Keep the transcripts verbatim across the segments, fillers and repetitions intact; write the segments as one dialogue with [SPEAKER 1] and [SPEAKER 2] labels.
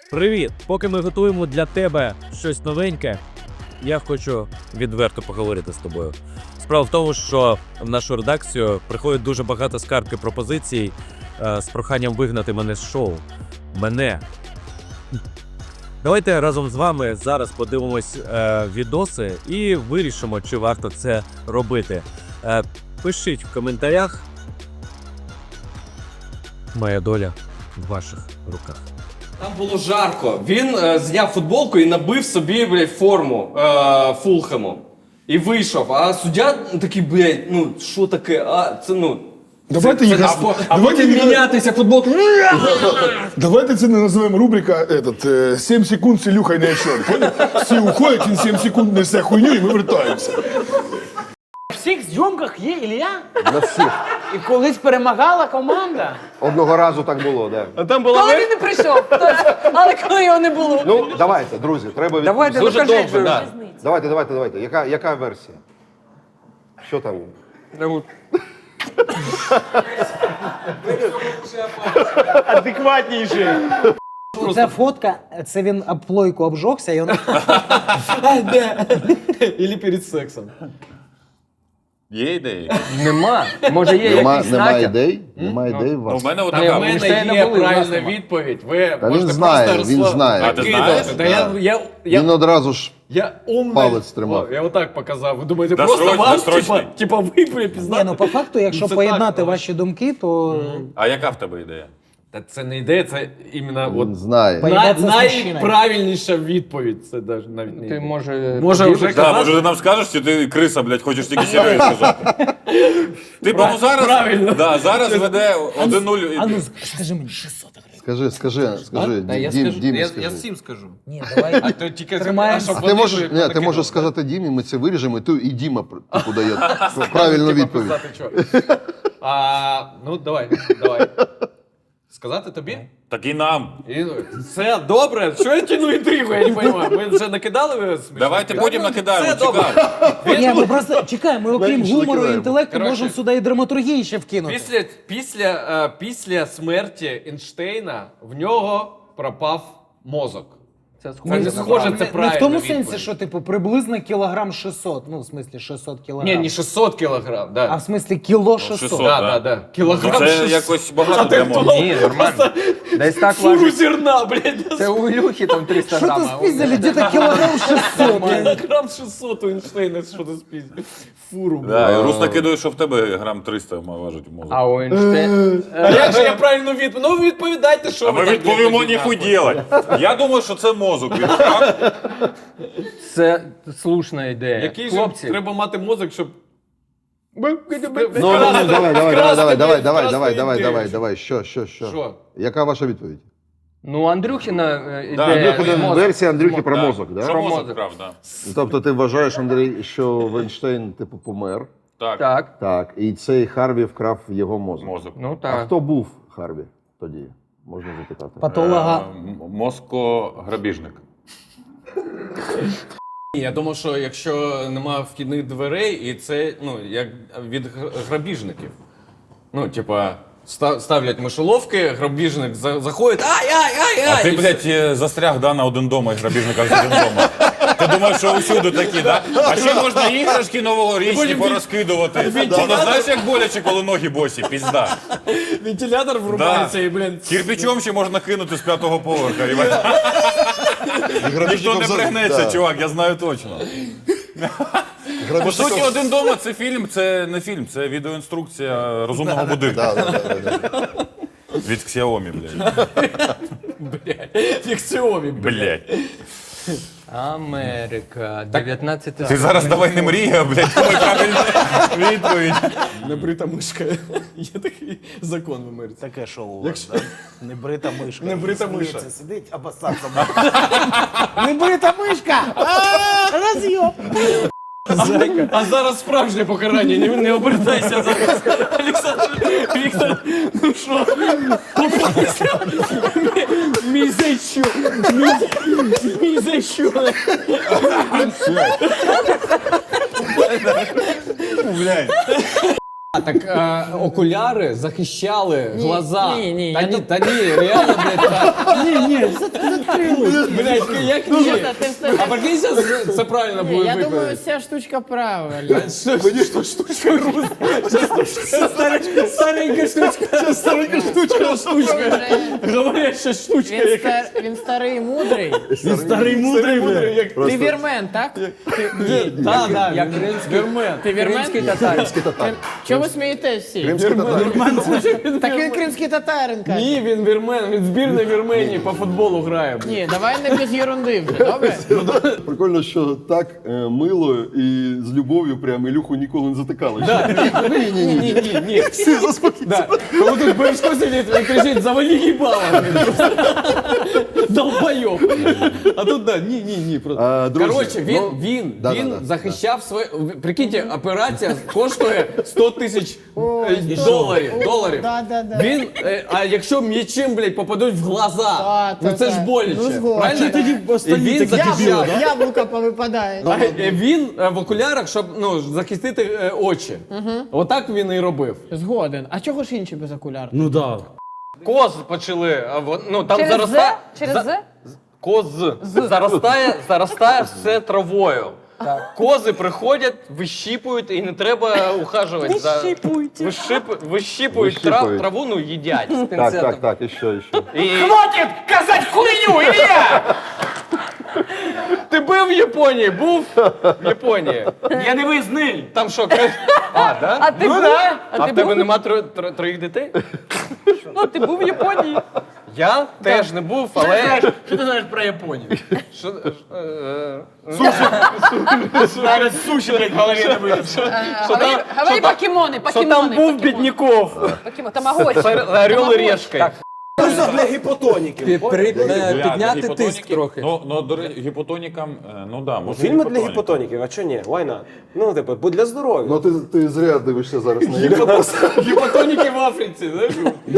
[SPEAKER 1] Привіт! Поки ми готуємо для тебе щось новеньке, я хочу відверто поговорити з тобою. Справа в тому, що в нашу редакцію приходить дуже багато скарг і пропозицій е, з проханням вигнати мене з шоу. Мене. Давайте разом з вами зараз подивимось е, відоси і вирішимо, чи варто це робити. Е, пишіть в коментарях. Моя доля в ваших руках.
[SPEAKER 2] Там було жарко. Він е, зняв футболку і набив собі, блядь, форму е, Фулхему. І вийшов. А суддя такий, блядь, ну що таке? А це ну.
[SPEAKER 3] Давайте
[SPEAKER 2] це,
[SPEAKER 3] їх
[SPEAKER 2] це,
[SPEAKER 3] ос-
[SPEAKER 2] або, а
[SPEAKER 3] давайте
[SPEAKER 2] потім
[SPEAKER 3] їх-
[SPEAKER 2] мінятися футболку.
[SPEAKER 3] Давайте це не називаємо рубрика этот, е, сім секунд з Ілюхою на ефір. Поняв? Всі уходять, він сім секунд несе хуйню і ми вертаємося.
[SPEAKER 4] У всіх зйомках є Ілля?
[SPEAKER 5] На всіх.
[SPEAKER 4] І колись перемагала команда.
[SPEAKER 5] Одного разу так було, да.
[SPEAKER 2] А там була
[SPEAKER 4] Коли він не прийшов, але коли його не було.
[SPEAKER 5] Ну, давайте, друзі, треба від...
[SPEAKER 4] Давайте,
[SPEAKER 2] дуже
[SPEAKER 4] докажіть,
[SPEAKER 2] довго,
[SPEAKER 4] що
[SPEAKER 2] да.
[SPEAKER 5] Давайте, давайте, давайте. Яка, яка версія? Що там?
[SPEAKER 2] адекватніший.
[SPEAKER 4] Ця фотка, це він об плойку обжогся, і він...
[SPEAKER 2] Ілі перед сексом.
[SPEAKER 6] Є ідеї?
[SPEAKER 7] Нема. Може є
[SPEAKER 8] Нема,
[SPEAKER 7] якийсь
[SPEAKER 8] немає
[SPEAKER 7] натяк?
[SPEAKER 8] ідей? Немає ідей у
[SPEAKER 6] Ну,
[SPEAKER 8] вас?
[SPEAKER 6] в мене
[SPEAKER 2] У
[SPEAKER 6] одна.
[SPEAKER 2] мене
[SPEAKER 7] Ейнштейна
[SPEAKER 2] є
[SPEAKER 7] були, у нас
[SPEAKER 2] правильна
[SPEAKER 7] нема.
[SPEAKER 2] відповідь. Ви
[SPEAKER 8] Та він
[SPEAKER 2] можете
[SPEAKER 8] знає,
[SPEAKER 2] просто
[SPEAKER 8] він
[SPEAKER 2] розслаб-
[SPEAKER 8] знає.
[SPEAKER 6] А, ти
[SPEAKER 2] Кидати.
[SPEAKER 6] знаєш?
[SPEAKER 2] Та я, я, я,
[SPEAKER 8] Він одразу ж
[SPEAKER 2] я умний.
[SPEAKER 8] палець тримав.
[SPEAKER 2] О, я отак показав. Ви думаєте,
[SPEAKER 6] Да,
[SPEAKER 2] просто
[SPEAKER 6] срочно,
[SPEAKER 2] вам,
[SPEAKER 6] срочно.
[SPEAKER 2] типа, типа ви припізнати?
[SPEAKER 4] Ні, ну по факту, якщо
[SPEAKER 2] Ну, це
[SPEAKER 4] поєднати
[SPEAKER 2] так,
[SPEAKER 4] ваші думки, то
[SPEAKER 6] А яка в тебе ідея?
[SPEAKER 2] Та це не ідея, це іменно
[SPEAKER 8] він
[SPEAKER 2] от
[SPEAKER 8] знає.
[SPEAKER 4] По-
[SPEAKER 2] най,
[SPEAKER 4] Поїбатися з мужчиною.
[SPEAKER 2] найправильніша відповідь. Це навіть навіть не
[SPEAKER 7] Ти
[SPEAKER 2] ідея.
[SPEAKER 7] може...
[SPEAKER 2] Може
[SPEAKER 7] поділиш?
[SPEAKER 2] вже
[SPEAKER 6] Да,
[SPEAKER 2] казати?
[SPEAKER 6] може ти нам скажеш, чи ти криса, блядь, хочеш тільки серйозно сказати? Типу, ну зараз,
[SPEAKER 2] правильно.
[SPEAKER 6] да, зараз веде один нуль.
[SPEAKER 4] а ну скажи мені шістсот гривень.
[SPEAKER 8] Скажи, скажи, скажи,
[SPEAKER 2] Та я
[SPEAKER 8] Дім,
[SPEAKER 2] скажу,
[SPEAKER 8] Дімі
[SPEAKER 2] я,
[SPEAKER 8] скажи.
[SPEAKER 2] я всім скажу.
[SPEAKER 4] Ні, давай.
[SPEAKER 2] А то тільки
[SPEAKER 4] Тримаємо.
[SPEAKER 2] а щоб
[SPEAKER 8] А
[SPEAKER 2] вони
[SPEAKER 8] ти можеш,
[SPEAKER 2] ж
[SPEAKER 8] ні, ти
[SPEAKER 2] накидали.
[SPEAKER 8] можеш сказати Дімі, ми це виріжемо, і ти і Діма типу дає правильну
[SPEAKER 2] Типа
[SPEAKER 8] відповідь.
[SPEAKER 2] писати, що. А, ну, давай, давай. Сказати тобі?
[SPEAKER 6] Так і нам.
[SPEAKER 2] І, ну, все добре. Що я тяну інтригу, я не розумію. Ми вже накидали смішно?
[SPEAKER 6] Давайте потім накидаємо,
[SPEAKER 2] Все добре.
[SPEAKER 6] цікаво.
[SPEAKER 4] Ні, ми просто чекай, ми окрім
[SPEAKER 8] Менше
[SPEAKER 4] гумору і
[SPEAKER 8] накидаємо.
[SPEAKER 4] інтелекту
[SPEAKER 2] Коротше,
[SPEAKER 4] можемо сюди і драматургії ще вкинути.
[SPEAKER 2] Після, після, е, після смерті Ейнштейна в нього пропав мозок.
[SPEAKER 7] Це
[SPEAKER 2] Це не
[SPEAKER 7] схоже.
[SPEAKER 2] схоже, це
[SPEAKER 4] Не, не
[SPEAKER 2] правильно.
[SPEAKER 4] в тому сенсі, що типу приблизно кілограм шістсот, ну в смислі шістсот кілограм.
[SPEAKER 2] Ні, не шістсот кілограм, да.
[SPEAKER 4] А в смислі кіло шістсот.
[SPEAKER 6] шістсот.
[SPEAKER 2] да,
[SPEAKER 6] да.
[SPEAKER 2] да, да. Кілограм
[SPEAKER 6] Це
[SPEAKER 2] шістсот.
[SPEAKER 6] якось багато для мозку.
[SPEAKER 2] Ні,
[SPEAKER 7] нормально. Десь так
[SPEAKER 2] Фуру
[SPEAKER 7] важить.
[SPEAKER 2] зерна, блядь.
[SPEAKER 7] Це у Ілюхи там триста
[SPEAKER 4] Що
[SPEAKER 7] грам.
[SPEAKER 4] ти
[SPEAKER 7] а у-
[SPEAKER 4] спіздили? Где-то кілограм шістсот.
[SPEAKER 2] Кілограм шістсот у Ейнштейна, що ти спіздив. Фуру, блядь.
[SPEAKER 6] Да, і Рус накидує, що в тебе грам триста важить мозок.
[SPEAKER 7] А у Ейнштейна...
[SPEAKER 2] А як же я правильно відповідь? Ну відповідайте, що
[SPEAKER 6] А
[SPEAKER 2] ви
[SPEAKER 6] ми
[SPEAKER 2] так
[SPEAKER 6] відповімо
[SPEAKER 2] тоді
[SPEAKER 6] ніхуй
[SPEAKER 2] нахуй.
[SPEAKER 6] ділать. Я думаю, що це мозок. Він вкрав.
[SPEAKER 7] Це слушна ідея.
[SPEAKER 2] Який же
[SPEAKER 7] Хлопці,
[SPEAKER 2] треба мати мозок, щоб...
[SPEAKER 8] Ну, ну, ну, давай, давай, давай, давай, давай, давай, давай, давай, давай, давай, що, що, що?
[SPEAKER 2] Що?
[SPEAKER 8] Яка ваша відповідь?
[SPEAKER 7] ну Андрюхіна е,
[SPEAKER 6] Да,
[SPEAKER 7] ідея...
[SPEAKER 6] Андрюхіна
[SPEAKER 7] мозок.
[SPEAKER 8] Версія Андрюхи про мозок,
[SPEAKER 6] Що
[SPEAKER 8] да?
[SPEAKER 6] мозок
[SPEAKER 7] мозок.
[SPEAKER 6] вкрав, да.
[SPEAKER 8] Тобто ти вважаєш, Андрій, що Вейнштейн, типу, помер,
[SPEAKER 6] Так,
[SPEAKER 7] Так,
[SPEAKER 8] так, і цей Харві вкрав його мозок.
[SPEAKER 6] мозок.
[SPEAKER 7] ну
[SPEAKER 8] А
[SPEAKER 7] так.
[SPEAKER 8] хто був Харві тоді? Можна запитати.
[SPEAKER 4] Патолога.
[SPEAKER 6] Е, м- Мозко-грабіжник.
[SPEAKER 2] Ні, я думав, що якщо нема вхідних дверей, і це, ну, як від гр- грабіжників. Ну, типа, ста- ставлять мишоловки, грабіжник за- заходить, ай-ай-ай-ай!
[SPEAKER 6] А ти,
[SPEAKER 2] і
[SPEAKER 6] блядь, е, застряг да, на один дома і грабіжника з один дома. Ти думаєш, що усюди такі, да? А ще можна іграшки новорічні
[SPEAKER 2] Потім
[SPEAKER 6] порозкидувати. Воно знаєш, як боляче, коли ноги босі, пізда.
[SPEAKER 2] Вентилятор врубається
[SPEAKER 6] Да.
[SPEAKER 2] і, блін,
[SPEAKER 6] Кирпичом ще можна кинути з п'ятого поверха. І ніхто не пригнеться,
[SPEAKER 8] Да.
[SPEAKER 6] чувак, я знаю точно. По суті, один дома це фільм, це не фільм, це відеоінструкція розумного будинку.
[SPEAKER 8] Да, да, да, да.
[SPEAKER 6] Від Xiaomi, блядь.
[SPEAKER 2] блядь, фікціомі, блядь.
[SPEAKER 6] Блядь.
[SPEAKER 7] Америка, дев'ятнадцяте
[SPEAKER 6] Ти зараз давай не мрій, а, блядь, давай правильну відповідь.
[SPEAKER 2] Небрита мишка. Є такий закон в Америці.
[SPEAKER 9] Таке шоу у вас, да? Небрита мишка.
[SPEAKER 2] Небрита миша.
[SPEAKER 9] Сміється, сидить, обоссаться.
[SPEAKER 4] Небрита мишка! Роз'єм!
[SPEAKER 2] А зараз справжнє покарання, не, не обертайся зараз. Олександр Віктор, ну що? Мій зайчу, мій зайчу.
[SPEAKER 6] Блядь.
[SPEAKER 2] так е, окуляри захищали глаза.
[SPEAKER 10] ні, ні,
[SPEAKER 2] Та
[SPEAKER 10] я
[SPEAKER 2] ні,
[SPEAKER 10] тут-
[SPEAKER 2] та ні, реально, блядь, та...
[SPEAKER 10] Ні, ні, заткнулись.
[SPEAKER 2] Блядь, як
[SPEAKER 10] Ну,
[SPEAKER 2] ні?
[SPEAKER 10] що ти встаєш?
[SPEAKER 2] А прикинь, зараз це правильно
[SPEAKER 10] Ні,
[SPEAKER 2] буде
[SPEAKER 10] я думаю,
[SPEAKER 2] виконати.
[SPEAKER 10] вся штучка правильна.
[SPEAKER 2] Мені що штучка Старенька штучка. Старенька штучка, штучка. Говорять, що штучка.
[SPEAKER 10] Він, стар... Він старий і мудрий.
[SPEAKER 2] Він старий мудрий, блядь.
[SPEAKER 10] Ти вірмен, так?
[SPEAKER 2] Так, так,
[SPEAKER 7] як
[SPEAKER 2] він
[SPEAKER 7] кримський-
[SPEAKER 2] вірмен.
[SPEAKER 10] Ти вірмен?
[SPEAKER 7] Кримський татарин.
[SPEAKER 10] Крим- Чого ви смієтесь всі?
[SPEAKER 8] Кримський татар.
[SPEAKER 10] Так він кримський татарин, каже.
[SPEAKER 2] Ні, він вірмен, він збірна Вірменії по футболу грає.
[SPEAKER 10] Ні, давай не без єрунди вже, добре?
[SPEAKER 8] Прикольно, що так е, мило і з любов'ю прям Ілюху ніколи не затикали.
[SPEAKER 2] Ні, ні, ні, ні, ні. Всі заспокіться. Коли тут Бережко сидить, він кричить, завали їбало. Долбойоб. А тут, да, ні, ні, ні. просто.
[SPEAKER 8] А, друзі,
[SPEAKER 2] Коротше, він,
[SPEAKER 8] ну,
[SPEAKER 2] він,
[SPEAKER 8] да,
[SPEAKER 2] він
[SPEAKER 8] да, да,
[SPEAKER 2] захищав своє... Прикиньте, операція коштує сто тисяч е, доларів. доларів.
[SPEAKER 10] Да, да, да.
[SPEAKER 2] Він, е, а якщо м'ячем, блядь, попадуть в глаза,
[SPEAKER 10] Да,
[SPEAKER 2] ну
[SPEAKER 10] та,
[SPEAKER 2] це ж
[SPEAKER 10] та.
[SPEAKER 2] боляче.
[SPEAKER 10] Ну, згоден.
[SPEAKER 2] Правильно?
[SPEAKER 10] А тоді
[SPEAKER 2] І він захищав.
[SPEAKER 10] Яблуко, яблуко повипадає.
[SPEAKER 2] А, е, Він е, в окулярах, щоб ну, захистити е, очі. Отак він і робив.
[SPEAKER 10] Згоден. А чого ж інші без окулярів?
[SPEAKER 1] Ну да.
[SPEAKER 7] Коз почали, а во- ну там
[SPEAKER 11] Через
[SPEAKER 7] заростає.
[SPEAKER 11] З? Через З?
[SPEAKER 7] Коз заростає, заростає все травою. Кози приходять, вищіпують і не треба ухажувати за
[SPEAKER 11] Вищіпують.
[SPEAKER 7] Вищип... вищіпують трав...
[SPEAKER 8] Вищіпують.
[SPEAKER 7] траву, ну їдять з
[SPEAKER 8] Так,
[SPEAKER 7] пінцетом.
[SPEAKER 8] так, так, і що, і що.
[SPEAKER 7] І...
[SPEAKER 11] Хватит казать хуйню, Илья!
[SPEAKER 7] Ти був в Японії? Був в Японії.
[SPEAKER 11] Я не визниль.
[SPEAKER 7] Там що, кра- А, да?
[SPEAKER 11] А ти
[SPEAKER 7] ну,
[SPEAKER 11] був?
[SPEAKER 7] да.
[SPEAKER 11] А
[SPEAKER 7] А
[SPEAKER 11] ти
[SPEAKER 7] в тебе
[SPEAKER 11] був?
[SPEAKER 7] нема тро... тро... троїх дітей?
[SPEAKER 11] Ну, ти був в Японії.
[SPEAKER 7] Я теж не був, але...
[SPEAKER 11] Що ти знаєш про Японію?
[SPEAKER 7] Що... е, е,
[SPEAKER 11] Навіть суші, блядь, в голові не вийде.
[SPEAKER 7] там-
[SPEAKER 11] Говори покемони,
[SPEAKER 7] Що
[SPEAKER 11] покемони.
[SPEAKER 7] там був бідніков?
[SPEAKER 11] Покемони. Тамагочі.
[SPEAKER 7] Орел і решка.
[SPEAKER 9] Для гіпотоніків.
[SPEAKER 7] Підняти тиск трохи.
[SPEAKER 6] Ну, ну до речі, гіпотонікам, е, ну да, може.
[SPEAKER 9] Фільми для
[SPEAKER 6] гіпотонік.
[SPEAKER 9] гіпотоніків, а чого ні? Why not? Ну, типу, бо для здоров'я.
[SPEAKER 8] Ну ти, ти зря дивишся зараз на Ілюху.
[SPEAKER 2] Гіпотоніки в Африці, знаєш?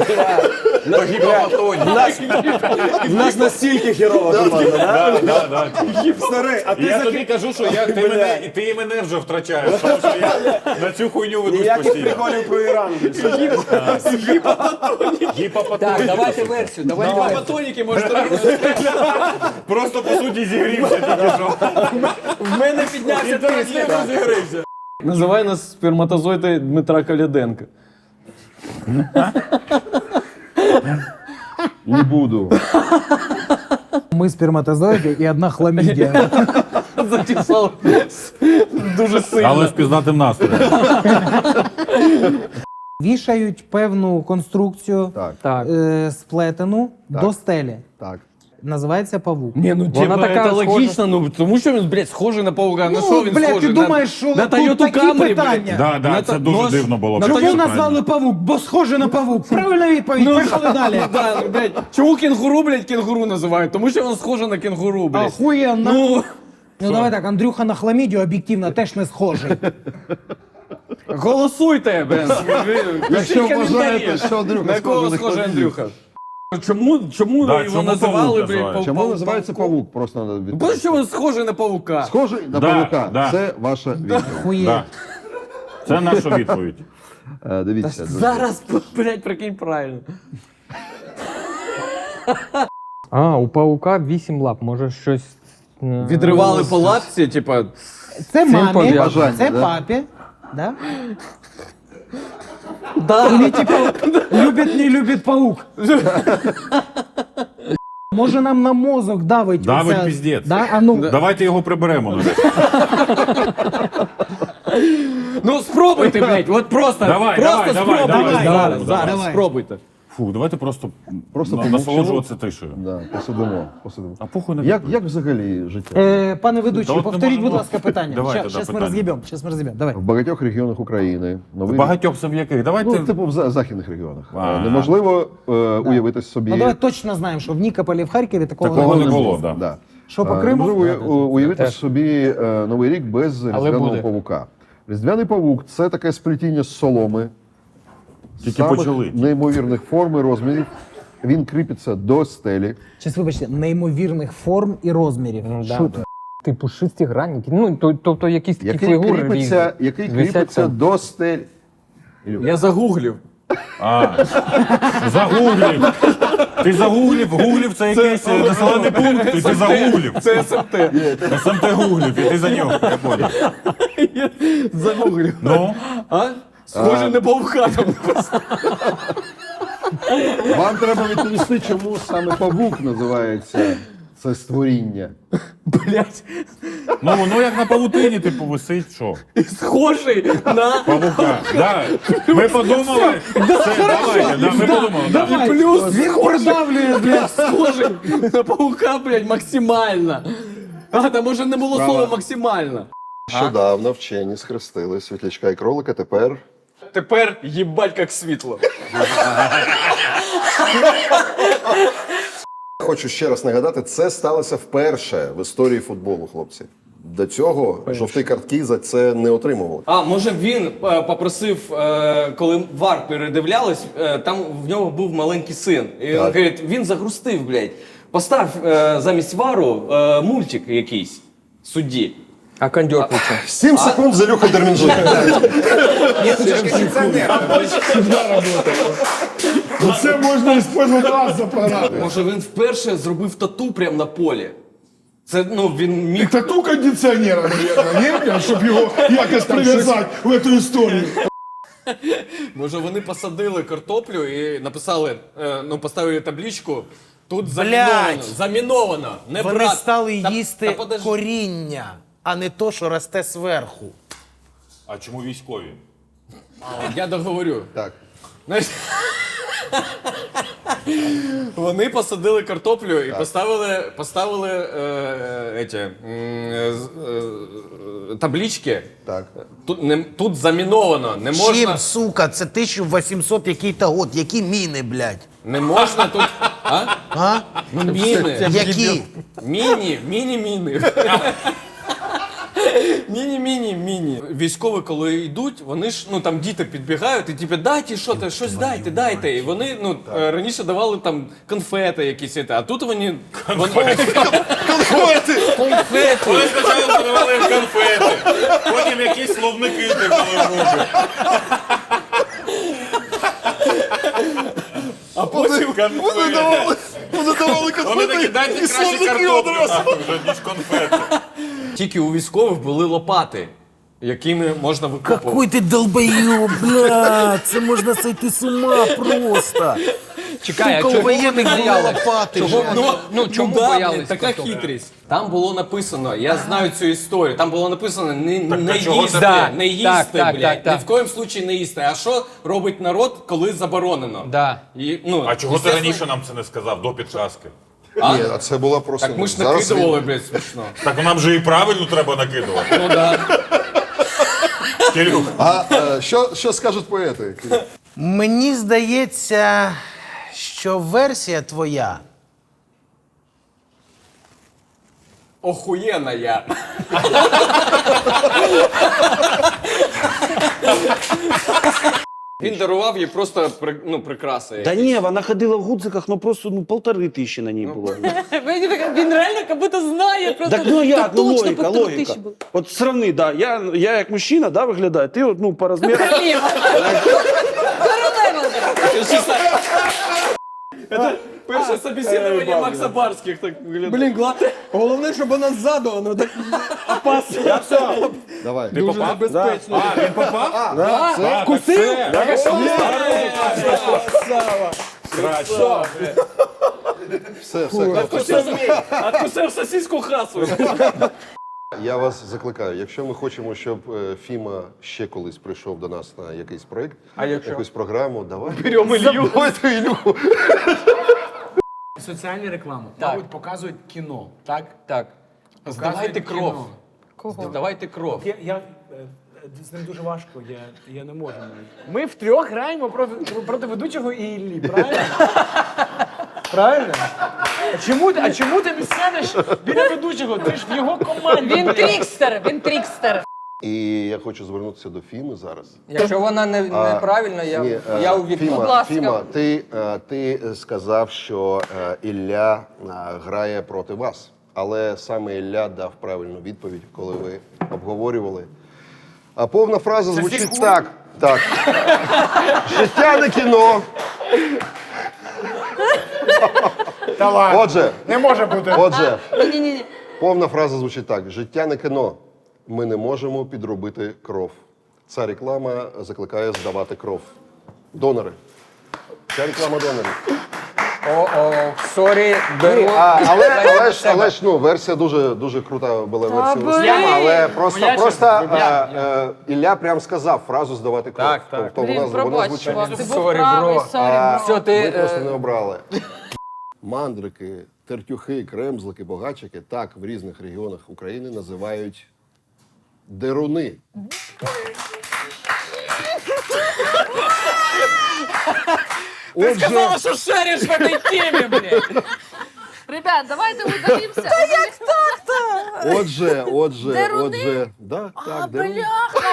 [SPEAKER 9] В нас, в нас настільки херова команда, да?
[SPEAKER 6] Да, да, да.
[SPEAKER 9] Старий, а
[SPEAKER 6] І
[SPEAKER 9] ти
[SPEAKER 6] я
[SPEAKER 9] за
[SPEAKER 6] тобі кажу, що я, ти, мене, і ти мене вже втрачаєш, тому що я на цю хуйню ведусь
[SPEAKER 9] ніяких
[SPEAKER 6] постійно.
[SPEAKER 9] приколів про Іран більше.
[SPEAKER 6] Гіпопотонік.
[SPEAKER 7] Так, давайте версію, давайте версію.
[SPEAKER 2] Гіпотоніки можуть робити.
[SPEAKER 6] Просто по суті зігрівся тільки що.
[SPEAKER 2] В мене піднявся тиск, я розігрився. Називай нас сперматозоїди Дмитра Коляденка.
[SPEAKER 8] Не буду.
[SPEAKER 4] Ми сперматозоїди і одна хламідія.
[SPEAKER 2] Затісав дуже сильно.
[SPEAKER 6] Але з пізнатим настроєм.
[SPEAKER 4] Вішають певну конструкцію
[SPEAKER 8] Так,
[SPEAKER 7] Так.
[SPEAKER 4] е, сплетену до стелі.
[SPEAKER 8] так.
[SPEAKER 4] Називається павук.
[SPEAKER 2] Ні, ну
[SPEAKER 7] Вона
[SPEAKER 2] типа,
[SPEAKER 7] така
[SPEAKER 2] це
[SPEAKER 7] схожа.
[SPEAKER 2] логічно, ну тому що він, блядь, схожий на паука. На що він
[SPEAKER 4] блядь,
[SPEAKER 2] схожий?
[SPEAKER 4] ти
[SPEAKER 2] На-
[SPEAKER 4] думаєш, що
[SPEAKER 2] на
[SPEAKER 4] тут
[SPEAKER 2] Toyota
[SPEAKER 4] такі
[SPEAKER 2] Camry,
[SPEAKER 4] питання?
[SPEAKER 2] блядь.
[SPEAKER 6] Да, да,
[SPEAKER 2] На
[SPEAKER 6] це
[SPEAKER 2] та-
[SPEAKER 6] дуже
[SPEAKER 2] ну,
[SPEAKER 6] дивно було.
[SPEAKER 2] на
[SPEAKER 6] Це
[SPEAKER 4] Чому
[SPEAKER 6] правильно.
[SPEAKER 4] назвали павук? Бо схоже на павук. Правильна відповідь. Поїхали далі.
[SPEAKER 2] Да, ну, блядь, чому кенгуру, блядь, кенгуру називають? Тому що він схожий на кенгуру, блядь.
[SPEAKER 4] Охуєнно.
[SPEAKER 2] Ну,
[SPEAKER 4] Ну давай так, Андрюха на хламідію об'єктивно теж не схожий.
[SPEAKER 2] голосуйте, блядь.
[SPEAKER 8] Якщо
[SPEAKER 2] Пишіть
[SPEAKER 8] вважаєте,
[SPEAKER 2] коментарі.
[SPEAKER 8] що Андрюха
[SPEAKER 2] На кого
[SPEAKER 8] схожий на
[SPEAKER 2] схожий
[SPEAKER 8] Хламідію.
[SPEAKER 2] Андрюха? Чому, чому
[SPEAKER 6] Да,
[SPEAKER 2] його
[SPEAKER 6] чому
[SPEAKER 2] називали,
[SPEAKER 6] павук
[SPEAKER 2] блядь,
[SPEAKER 6] називають?
[SPEAKER 2] пав-
[SPEAKER 8] Чому
[SPEAKER 2] пав-
[SPEAKER 8] називається павук? Просто треба
[SPEAKER 2] Ну,
[SPEAKER 8] відповісти.
[SPEAKER 2] тому що він схожий на павука.
[SPEAKER 8] Схожий на
[SPEAKER 6] Да,
[SPEAKER 8] павука.
[SPEAKER 6] да.
[SPEAKER 8] Це ваша відповідь.
[SPEAKER 4] Хує.
[SPEAKER 6] Да. Це наша відповідь.
[SPEAKER 8] Е, Дивіться, друзі.
[SPEAKER 2] Зараз, блядь, прикинь правильно.
[SPEAKER 7] А, у паука вісім лап, може щось... е,
[SPEAKER 2] Відривали по лапці, типа,
[SPEAKER 4] Це
[SPEAKER 7] Цим
[SPEAKER 4] мамі,
[SPEAKER 7] пов'язано,
[SPEAKER 4] це
[SPEAKER 8] да?
[SPEAKER 4] папі. Да?
[SPEAKER 2] да.
[SPEAKER 4] Или типа любит, не любит паук. Може нам на мозок давить.
[SPEAKER 6] Давить
[SPEAKER 4] оця-
[SPEAKER 6] піздець.
[SPEAKER 4] Да? А ну,
[SPEAKER 6] Давайте його приберемо. ну.
[SPEAKER 2] Ну спробуйте, блядь, от просто,
[SPEAKER 6] Давай,
[SPEAKER 2] просто
[SPEAKER 6] давай, давай,
[SPEAKER 2] спробуйте.
[SPEAKER 6] давай,
[SPEAKER 2] зараз,
[SPEAKER 6] давай,
[SPEAKER 2] зараз,
[SPEAKER 4] давай.
[SPEAKER 2] спробуйте.
[SPEAKER 6] Фу, давайте просто,
[SPEAKER 8] Просто
[SPEAKER 6] на-
[SPEAKER 8] помовчимо.
[SPEAKER 6] насолоджуватися тишею.
[SPEAKER 8] Да, посидимо, посидимо.
[SPEAKER 6] А похуй на
[SPEAKER 8] Як, як взагалі життя?
[SPEAKER 4] е, пане ведучий,
[SPEAKER 6] Та от не
[SPEAKER 4] повторіть,
[SPEAKER 6] може
[SPEAKER 4] будь
[SPEAKER 6] бути.
[SPEAKER 4] ласка, питання.
[SPEAKER 6] Давай
[SPEAKER 4] Щас
[SPEAKER 6] тоді
[SPEAKER 4] щас ми
[SPEAKER 6] питання.
[SPEAKER 4] роз'їбемо, щас ми роз'їбемо. Давай.
[SPEAKER 8] В багатьох регіонах України новий рік-
[SPEAKER 6] Багатьох це в яких? Давайте.
[SPEAKER 8] Ну, типу в за- західних регіонах.
[SPEAKER 6] А.
[SPEAKER 8] Е, Неможливо е, уявити собі.
[SPEAKER 4] Ну давай точно знаємо, що в Нікополі, в Харкові такого,
[SPEAKER 6] Такого
[SPEAKER 4] не
[SPEAKER 6] не
[SPEAKER 4] було.
[SPEAKER 6] було, да.
[SPEAKER 8] Да.
[SPEAKER 4] Що по
[SPEAKER 8] Е,
[SPEAKER 4] Криму?
[SPEAKER 8] Неможливо уя- уявити собі е, новий рік без різдвяного
[SPEAKER 7] буде.
[SPEAKER 8] павука. Різдвяний павук це таке сплетіння з соломи.
[SPEAKER 6] Тільки
[SPEAKER 8] самих
[SPEAKER 6] почали.
[SPEAKER 8] неймовірних форм і розмірів. Він кріпиться до стелі.
[SPEAKER 4] Щас, вибачте, неймовірних форм і розмірів.
[SPEAKER 7] да.
[SPEAKER 4] Що ти?
[SPEAKER 7] Типу шестигранники, ну, то- тобто якісь такі
[SPEAKER 8] Який
[SPEAKER 7] фігури
[SPEAKER 8] кріпиться,
[SPEAKER 7] різні.
[SPEAKER 8] який
[SPEAKER 7] Висять
[SPEAKER 8] кріпиться
[SPEAKER 7] там.
[SPEAKER 8] до стелі.
[SPEAKER 7] Я загуглив.
[SPEAKER 6] А, загуглив. Ти загуглив, гуглив це якийсь населений пункт, і ти загуглив.
[SPEAKER 7] Це ес ем те.
[SPEAKER 6] ес ем те гуглив, і ти за нього, я понял.
[SPEAKER 7] Загуглив.
[SPEAKER 6] Ну?
[SPEAKER 7] А? Схоже, не павука там.
[SPEAKER 8] Вам треба відповісти, чому саме павук називається це створіння.
[SPEAKER 7] Блять.
[SPEAKER 6] Ну, воно як на павутині, типу, висить, що?
[SPEAKER 7] Схожий на...
[SPEAKER 6] Павука, да. Ми подумали, це, давайте, да, ми подумали, да.
[SPEAKER 7] І плюс він продавлює, блядь, схожий на паука, блядь, максимально. А, там може не було слова максимально.
[SPEAKER 8] Нещодавно вчені схрестили світлячка і кролика, тепер
[SPEAKER 7] Тепер їбать як світло.
[SPEAKER 8] хочу ще раз нагадати, це сталося вперше в історії футболу, хлопці. До цього жовті картки за це не отримували.
[SPEAKER 7] А, може він е, попросив, е, коли вар передивлялись, е, там в нього був маленький син. І він
[SPEAKER 8] Так.
[SPEAKER 7] говорить, він загрустив, блядь. Постав е, замість вару е, мультик якийсь судді. А кондьор включив.
[SPEAKER 8] Сім секунд за Люха Дермінджука.
[SPEAKER 3] Ну це можна використовувати раз за програму.
[SPEAKER 7] Може він вперше зробив тату прямо на полі. Це, ну, він міг...
[SPEAKER 3] Тату кондиціонера, мабуть, ні? Щоб його якось прив'язати в цю історію.
[SPEAKER 2] Може вони посадили картоплю і написали, е, ну поставили табличку, тут заміновано, заміновано, не
[SPEAKER 4] Вони
[SPEAKER 2] брат.
[SPEAKER 4] стали
[SPEAKER 2] Та-
[SPEAKER 4] їсти
[SPEAKER 2] та подожди.
[SPEAKER 4] коріння, а не то, що росте зверху.
[SPEAKER 6] А чому військові?
[SPEAKER 2] Я договорю.
[SPEAKER 8] Так.
[SPEAKER 2] Знаєш, вони посадили картоплю і поставили, поставили е, еті, м, е, з- е, таблички.
[SPEAKER 8] Так.
[SPEAKER 2] Тут, не, тут заміновано, не можна,
[SPEAKER 4] Чим, сука, це тисяча вісімсот який-то год, які міни, блядь?
[SPEAKER 2] не можна тут. А?
[SPEAKER 4] А?
[SPEAKER 2] Ну, міни.
[SPEAKER 4] Які?
[SPEAKER 2] Міні, міні-міни. Міні-міні-міні. Військові, коли йдуть, вони ж, ну там діти підбігають і типу, дайте що то щось дайте, дайте. І вони, ну, е, раніше давали там конфети якісь, а тут вони... Конфети! Конфети!
[SPEAKER 6] Вони спочатку подавали їм конфети, потім якісь словники типу в руки.
[SPEAKER 2] А потім
[SPEAKER 6] Конфети.
[SPEAKER 8] Вони давали
[SPEAKER 6] Вони такі, дайте краще картоплю, нахуй, вже, ніж конфети.
[SPEAKER 2] тільки у військових були лопати, якими можна викопувати.
[SPEAKER 4] Какой ти долбоёб, блядь, це можна сойти з ума просто.
[SPEAKER 7] Чекай, а
[SPEAKER 4] Сука,
[SPEAKER 7] чого
[SPEAKER 4] у воєнних
[SPEAKER 7] вони
[SPEAKER 4] були
[SPEAKER 7] боялись?
[SPEAKER 4] лопати.
[SPEAKER 7] Чого,
[SPEAKER 4] же.
[SPEAKER 7] ну, ну, чому
[SPEAKER 2] да,
[SPEAKER 7] боялись?
[SPEAKER 2] блін, така
[SPEAKER 7] картоплі?
[SPEAKER 2] хитрість. Там було написано, я знаю цю історію, там було написано не,
[SPEAKER 6] Так,
[SPEAKER 2] не
[SPEAKER 6] та чого
[SPEAKER 2] їсти,
[SPEAKER 7] це?
[SPEAKER 2] не їсти,
[SPEAKER 7] Так, так,
[SPEAKER 2] блядь,
[SPEAKER 7] так, так.
[SPEAKER 2] ні в коєму случаї не їсти. А що робить народ, коли заборонено?
[SPEAKER 7] Да.
[SPEAKER 2] І, ну,
[SPEAKER 6] А чого ти
[SPEAKER 2] естественно,
[SPEAKER 6] раніше нам це не сказав, до підказки?
[SPEAKER 2] А?
[SPEAKER 8] Ні, а це була просто...
[SPEAKER 2] Так ми ж
[SPEAKER 8] зараз
[SPEAKER 2] накидували, блядь, смішно.
[SPEAKER 6] Так нам же і правильно треба накидувати.
[SPEAKER 2] Ну да.
[SPEAKER 6] Кирюх,
[SPEAKER 8] А е, що, що скажуть поети?
[SPEAKER 4] Мені здається, що версія твоя
[SPEAKER 2] Охуєна я. Він дарував їй просто при- ну, прикраси.
[SPEAKER 9] Та ні, вона ходила в гудзиках, ну просто ну, полтори тисячі на ній було.
[SPEAKER 11] Він реально як будто знає просто.
[SPEAKER 9] Так ну як, ну
[SPEAKER 11] точно
[SPEAKER 9] логіка,
[SPEAKER 11] по три
[SPEAKER 9] логіка.
[SPEAKER 11] тисячі було.
[SPEAKER 9] От сравни, да, я, я як мужчина, да, виглядаю, ти от, ну, по розміру.
[SPEAKER 11] Королева.
[SPEAKER 2] Перше собеседування Макса Барських так виглядає.
[SPEAKER 7] Блін, гла... головне, щоб вона ззаду, воно так опасно. Я все.
[SPEAKER 8] Давай.
[SPEAKER 6] ти попав?
[SPEAKER 7] Безпечно.
[SPEAKER 6] А, він попав?
[SPEAKER 8] Да, це...
[SPEAKER 6] А, так це. Краще.
[SPEAKER 8] Все, все. хлопці.
[SPEAKER 2] Откусив сосиску хасу.
[SPEAKER 8] Я вас закликаю, якщо ми хочемо, щоб е, Фіма ще колись прийшов до нас на якийсь проєкт, якусь програму, давай.
[SPEAKER 7] Беремо Ілью.
[SPEAKER 8] Давайте Ілюху.
[SPEAKER 12] Соціальні реклами,
[SPEAKER 7] Так.
[SPEAKER 12] мабуть, показують кіно, так?
[SPEAKER 7] Так.
[SPEAKER 12] Показують
[SPEAKER 2] Здавайте кров.
[SPEAKER 12] кіно.
[SPEAKER 11] Кого?
[SPEAKER 2] Здавайте кров.
[SPEAKER 12] Я, я, е, з ним дуже важко, я, я не можу навіть. Ми втрьох граємо проти, проти ведучого і Іллі, правильно? Правильно? А чому, ти- а чому ти не сядеш біля ведучого? Ти ж в його команді.
[SPEAKER 11] Він
[SPEAKER 12] блядь.
[SPEAKER 11] трікстер, він трікстер.
[SPEAKER 8] І я хочу звернутися до Фіми зараз.
[SPEAKER 7] Якщо вона не,
[SPEAKER 8] А,
[SPEAKER 7] неправильна, я,
[SPEAKER 8] Ні, е,
[SPEAKER 7] я у відповідь.
[SPEAKER 8] Фіма,
[SPEAKER 11] Будь ласка.
[SPEAKER 8] Фіма, ти, е, ти сказав, що е, Ілля е, грає проти вас. Але саме Ілля дав правильну відповідь, коли ви обговорювали. А повна фраза звучить так. Так. Життя не кіно.
[SPEAKER 12] Давай.
[SPEAKER 8] Отже,
[SPEAKER 12] Не може бути.
[SPEAKER 8] отже,
[SPEAKER 11] Ні-ні-ні.
[SPEAKER 8] повна фраза звучить так: життя не кіно. Ми не можемо підробити кров. Ця реклама закликає здавати кров. Донори. Ця реклама донорів.
[SPEAKER 7] О-о, сорі, беру.
[SPEAKER 8] А, але, але, ж, але ж ну, версія дуже, дуже крута була версія
[SPEAKER 11] блін!
[SPEAKER 8] Руслана, але просто,
[SPEAKER 12] Я
[SPEAKER 8] просто
[SPEAKER 12] чесно,
[SPEAKER 8] е,
[SPEAKER 12] я-
[SPEAKER 8] е, Ілля прям сказав фразу здавати кров.
[SPEAKER 2] Так, так.
[SPEAKER 8] Тобто вона,
[SPEAKER 11] Блін,
[SPEAKER 8] вона
[SPEAKER 11] пробач,
[SPEAKER 8] звучить.
[SPEAKER 11] чувак, ти був
[SPEAKER 7] Сорі,
[SPEAKER 11] правий,
[SPEAKER 7] бро.
[SPEAKER 11] сорі,
[SPEAKER 8] А,
[SPEAKER 11] бро.
[SPEAKER 7] Все, ти,
[SPEAKER 8] ви просто
[SPEAKER 7] е,
[SPEAKER 8] не обрали. Мандрики, тертюхи, кремзлики, богачики так в різних регіонах України називають деруни.
[SPEAKER 7] Ти сказала, що шариш в этой темі, блядь.
[SPEAKER 11] Ребят, давайте удалимся. Та як так-то?
[SPEAKER 8] Отже, отже,
[SPEAKER 11] Деруни?
[SPEAKER 8] отже, да, так, деруни.
[SPEAKER 11] Бляха,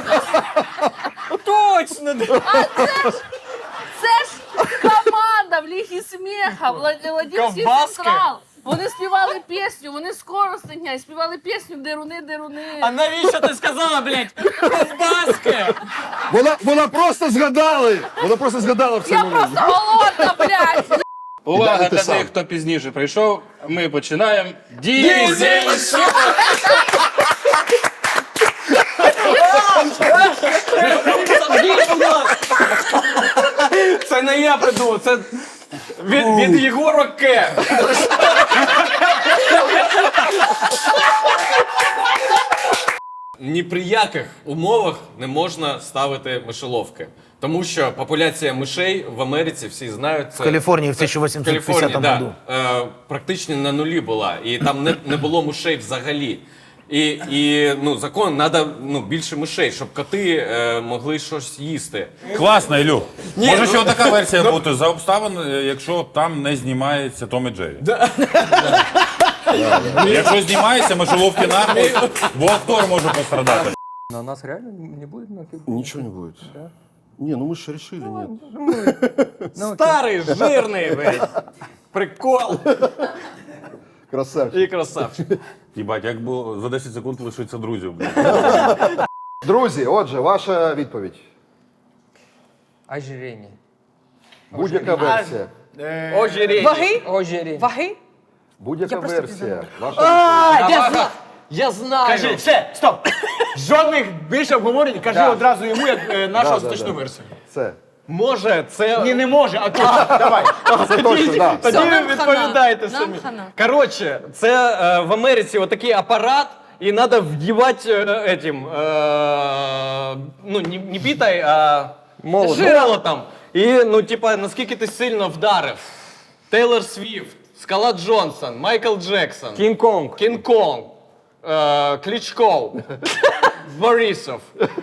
[SPEAKER 7] Точно.
[SPEAKER 11] а це ж, це ж команда в Лігі сміха, Владимирський
[SPEAKER 7] Ковбаски?
[SPEAKER 11] Централ. Вони співали пісню, вони з Коростеня і співали пісню «Деруни, деруни».
[SPEAKER 7] А навіщо ти сказала, блядь, ковбаски?
[SPEAKER 8] Вона, вона просто згадали! Вона просто згадала в цей
[SPEAKER 11] Я
[SPEAKER 8] момент.
[SPEAKER 11] просто голодна, блядь!
[SPEAKER 8] Увага для тих,
[SPEAKER 7] хто пізніше прийшов, ми починаємо дізель шоу! Це не я придумав, це від, від Єгора К.
[SPEAKER 2] Ні при яких умовах не можна ставити мишоловки. Тому що популяція мишей в Америці, всі знають, це...
[SPEAKER 4] В Каліфорнії в тисяча вісімсот п'ятдесятому
[SPEAKER 2] да,
[SPEAKER 4] году.
[SPEAKER 2] е, практично на нулі була. І там не, не було мишей взагалі. І, і ну, закон, треба ну, більше мишей, щоб коти е, могли щось їсти.
[SPEAKER 6] Класно, Ілю. Може
[SPEAKER 2] ну-
[SPEAKER 6] ще така версія бути за обставин, е, якщо там не знімається Том і Джері. Якщо знімається, мишоловки нахуй, бо актор може пострадати.
[SPEAKER 7] На нас реально не буде?
[SPEAKER 8] Ничего не будет. Не, ну мы же решили, нет.
[SPEAKER 7] Старий, жирний, блядь. Прикол.
[SPEAKER 8] Красавчик.
[SPEAKER 2] І красавчик.
[SPEAKER 6] Їбать, як було за десять секунд лишиться друзів. блядь.
[SPEAKER 8] Друзі, отже, ваша відповідь.
[SPEAKER 7] Ожирення.
[SPEAKER 8] Будь-яка версія.
[SPEAKER 7] Ожирення.
[SPEAKER 11] Ваги?
[SPEAKER 7] Ожирення.
[SPEAKER 11] Ваги?
[SPEAKER 8] Будь-яка
[SPEAKER 11] Я просто
[SPEAKER 8] версія. Ваша
[SPEAKER 7] А,
[SPEAKER 8] відповідь.
[SPEAKER 7] я знаю. Я знаю.
[SPEAKER 12] Кажи, все, стоп. Жодних більше обговорень, кажи
[SPEAKER 7] Да.
[SPEAKER 12] одразу йому, як е, нашу
[SPEAKER 8] Да, да,
[SPEAKER 12] остаточну
[SPEAKER 8] да.
[SPEAKER 12] версію.
[SPEAKER 8] Це.
[SPEAKER 7] Може, це...
[SPEAKER 12] Ні, не може, а точно, давай.
[SPEAKER 8] Це точно, так.
[SPEAKER 7] Тоді
[SPEAKER 11] Нам
[SPEAKER 7] ви
[SPEAKER 11] хана.
[SPEAKER 7] відповідаєте
[SPEAKER 11] Нам
[SPEAKER 7] самі.
[SPEAKER 11] хана.
[SPEAKER 7] Коротше, це е, в Америці отакий апарат, і треба вдівати е, этим, е, ну, не, не бітай, а молотом. І, ну, типа, наскільки ти сильно вдарив. Тейлор Свіфт, Скала Джонсон, Майкл Джексон, Кінг-Конг, Кінг-Конг, е, Кличко, Борисов.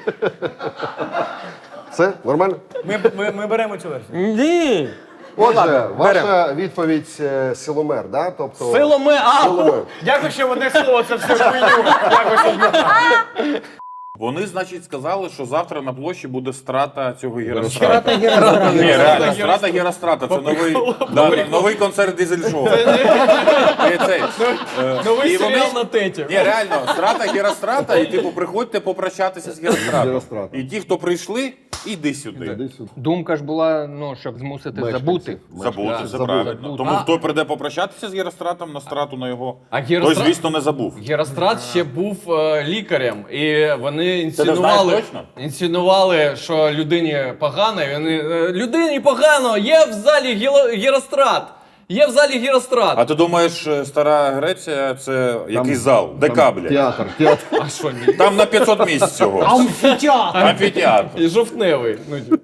[SPEAKER 8] Це нормально?
[SPEAKER 12] Ми, ми, ми беремо цю версію.
[SPEAKER 7] Ні.
[SPEAKER 8] Отже, ваша відповідь е, силомер, да? Тобто...
[SPEAKER 7] Силоме, а!
[SPEAKER 8] Силомер.
[SPEAKER 12] Дякую, що в одне слово це все хуйню. Дякую, що змотав.
[SPEAKER 6] Вони, значить, сказали, що завтра на площі буде страта цього Герострата.
[SPEAKER 4] Страта Герострата.
[SPEAKER 6] Ні, реально, страта Герострата. Це новий, да, новий концерт дизель-шоу. І цей, е,
[SPEAKER 7] Новий
[SPEAKER 6] і вони-
[SPEAKER 7] серіал на теті.
[SPEAKER 6] Ні, реально, страта Герострата, і типу приходьте попрощатися з Геростратом.
[SPEAKER 8] Герострата.
[SPEAKER 6] І ті, хто прийшли, іди сюди.
[SPEAKER 8] Іди сюди.
[SPEAKER 7] Думка ж була, ну, щоб змусити
[SPEAKER 8] Мешканців.
[SPEAKER 7] забути.
[SPEAKER 6] Забути, це
[SPEAKER 8] Забути.
[SPEAKER 6] правильно. Тому хто прийде попрощатися з Геростратом на страту на його,
[SPEAKER 2] А
[SPEAKER 6] той,
[SPEAKER 2] Герострат,
[SPEAKER 6] звісно, не забув.
[SPEAKER 2] Герострат ще був е, лікарем, і вони
[SPEAKER 6] Ти не знаєш
[SPEAKER 2] інсценували,
[SPEAKER 6] точно?
[SPEAKER 2] інсценували, що людині погано, і вони е, людині погано, є в залі Гело- Герострат. Є в залі Герострат.
[SPEAKER 6] А ти думаєш, е, стара Греція це якийсь зал? ДК, блядь.
[SPEAKER 8] Театр, театр.
[SPEAKER 2] А що ні?
[SPEAKER 6] Там на п'ятсот місць всього.
[SPEAKER 12] Амфітеатр.
[SPEAKER 6] Амфітеатр.
[SPEAKER 2] І жовтневий. Ну, типу.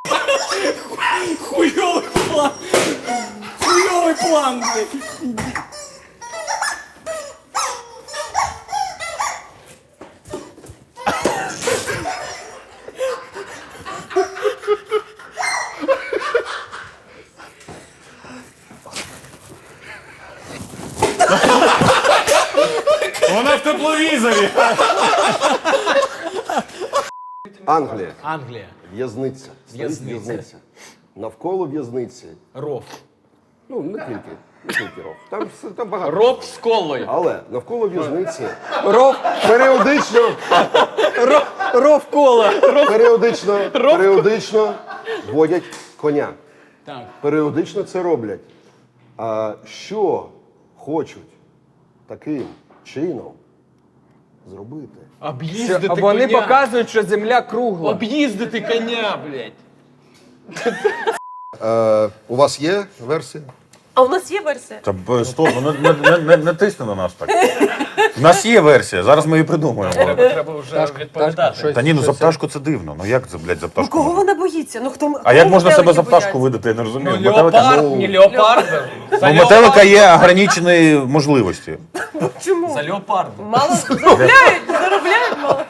[SPEAKER 7] Хуйовий план! Хуйовий план, блядь!
[SPEAKER 6] Вона в тепловізорі.
[SPEAKER 8] Англія.
[SPEAKER 12] Англія.
[SPEAKER 8] В'язниця. Стоїть
[SPEAKER 12] В'язниця.
[SPEAKER 8] в'язниця. Навколо в'язниці.
[SPEAKER 12] Ров.
[SPEAKER 8] Ну, не тільки. Тільки ров. Там, все- там багато.
[SPEAKER 7] Ров з колою.
[SPEAKER 8] Але навколо в'язниці
[SPEAKER 7] Ров,
[SPEAKER 8] періодично,
[SPEAKER 7] ров, ров кола. Ров.
[SPEAKER 8] періодично, періодично водять коня.
[SPEAKER 12] Так.
[SPEAKER 8] Періодично це роблять. А що хочуть таким чином зробити?
[SPEAKER 12] Об'їздити
[SPEAKER 7] А вони
[SPEAKER 12] коня.
[SPEAKER 7] показують, що земля кругла.
[SPEAKER 12] Об'їздити коня, блядь.
[SPEAKER 8] Е, у вас є версія?
[SPEAKER 11] А у нас є версія?
[SPEAKER 6] Та б, стоп, ну, не, не, не, не тисни на нас так. У нас є версія, зараз ми її придумаємо.
[SPEAKER 12] Треба вже відповідати.
[SPEAKER 6] Та ні, ну за пташку це дивно. Ну як це, блядь, за пташку?
[SPEAKER 11] Кого
[SPEAKER 6] можна?
[SPEAKER 11] вона боїться? Ну хто
[SPEAKER 6] А як можна себе за пташку видати, я не розумію. Метелика,
[SPEAKER 12] Леопард,
[SPEAKER 6] ну,
[SPEAKER 12] не леопард. За
[SPEAKER 6] ну, метелика є ограничені можливості.
[SPEAKER 11] Чому?
[SPEAKER 12] За леопарда.
[SPEAKER 11] Мало заробляють, заробляють мало.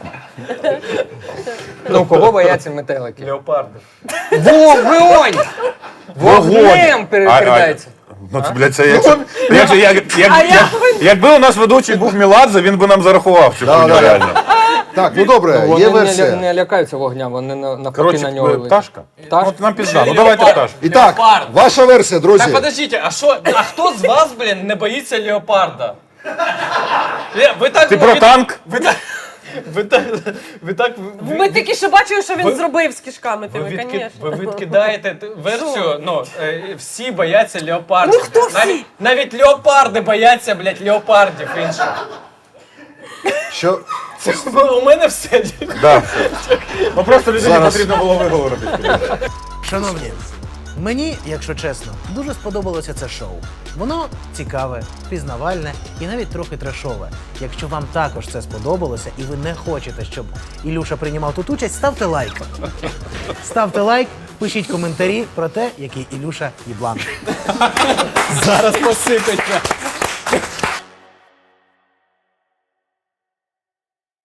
[SPEAKER 7] Ну, кого бояться метелики?
[SPEAKER 12] Леопарди.
[SPEAKER 7] Вогонь! Вогнем
[SPEAKER 6] А-
[SPEAKER 7] передається.
[SPEAKER 6] а- Ну, це, блядь, це як, як, же- як, як,
[SPEAKER 11] А
[SPEAKER 6] як,
[SPEAKER 11] я
[SPEAKER 6] якби у нас ведучий був Меладзе, він би нам зарахував цю
[SPEAKER 8] Да,
[SPEAKER 6] хуйню
[SPEAKER 8] да, да.
[SPEAKER 6] реально.
[SPEAKER 8] Так, ну добре,
[SPEAKER 7] Вони
[SPEAKER 8] є
[SPEAKER 7] не,
[SPEAKER 8] версія.
[SPEAKER 7] ля- не лякаються вогня, вони на- навпаки
[SPEAKER 6] Коротше,
[SPEAKER 7] на нього летять.
[SPEAKER 6] пташка?
[SPEAKER 7] Пташка?
[SPEAKER 6] От нам пізда, ну давайте пташку.
[SPEAKER 8] І так,
[SPEAKER 12] Леопард.
[SPEAKER 8] ваша версія, друзі.
[SPEAKER 12] Так, подождите, а що, а хто з вас, блін, не боїться леопарда? Ле- Ви так,
[SPEAKER 6] Ти про
[SPEAKER 12] ви-
[SPEAKER 6] танк?
[SPEAKER 12] Ви так, ви так, ви так, ви,
[SPEAKER 11] Ми тільки що бачили, що він
[SPEAKER 12] Ви-
[SPEAKER 11] зробив з кишками
[SPEAKER 12] ви,
[SPEAKER 11] тими,
[SPEAKER 12] відки-
[SPEAKER 11] звісно.
[SPEAKER 12] ви відкидаєте т- версію, ну, е, всі бояться леопардів.
[SPEAKER 11] Ну, хто всі?
[SPEAKER 12] Навіть, навіть леопарди бояться, блядь, леопардів інших.
[SPEAKER 8] Що?
[SPEAKER 12] Це у мене все.
[SPEAKER 6] Да. Ну просто людині
[SPEAKER 8] Зараз.
[SPEAKER 6] потрібно було виговорити.
[SPEAKER 13] Шановні, мені, якщо чесно, дуже сподобалося це шоу. Воно цікаве, пізнавальне і навіть трохи трешове. Якщо вам також це сподобалося і ви не хочете, щоб Ілюша приймав тут участь, ставте лайк. Ставте лайк, пишіть коментарі про те, який Ілюша єблан.
[SPEAKER 12] Зараз посипеться.